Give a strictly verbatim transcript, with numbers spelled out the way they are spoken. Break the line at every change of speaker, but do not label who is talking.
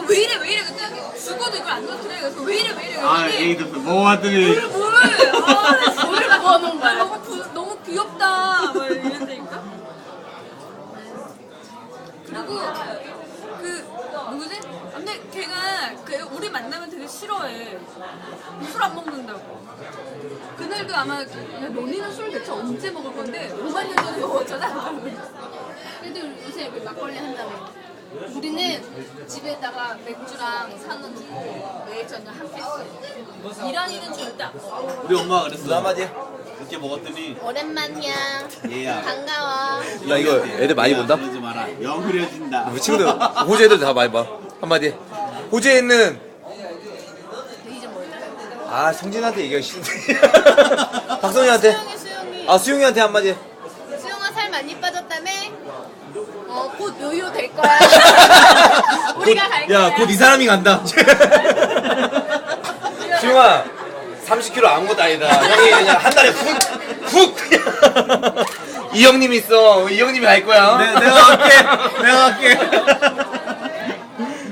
왜 이래 왜 이래 그랬더니 죽어도 이걸 안 터뜨려. 그래서 왜 이래 왜 이래
아,
그랬더니
에이드 뭐 하더니.
물을 물을 아 물을 부어놓은 거야. 너무 부, 너무 귀엽다. 막 이랬다니까. 그리고 그 누구지? 근데 걔가 그 우리 만나면 되게 싫어해. 술 안 먹는다고. 그날도 아마 야, 너네는 술 대체 언제 먹을 건데 오만 년 전에 먹었잖아.
그래도 요새 왜 막걸리 한다며. 우리는 집에다가 맥주랑 사놓고 매일 저녁 한 팩씩.
이란이는 절대 안 먹어.
우리 엄마가 그랬어.
너 한마디 해.
늦게 먹었더니.
오랜만이야.
얘야.
반가워.
야 이거 애들 많이 본다?
그러지 마라. 영 흐려진다.
우리 친구들 호주 애들 다 많이 봐. 한마디 해. 호주에 있는
이제 뭐였냐?
아 성진한테 얘기하기 싫은데 박성현한테
수영이 수영이.
아 수용이한테 한마디 해.
수영아 살 많이 빠졌다며? 어, 곧 요요 될 거야. 우리가 갈 거야.
야 곧 이 사람이 간다. 수용아 삼십 킬로그램 아무것도 아니다. 형이 그냥 한 달에 훅훅 이 형님 있어. 이 형님이 갈 거야.
내, 내가 갈게. 내가 갈게.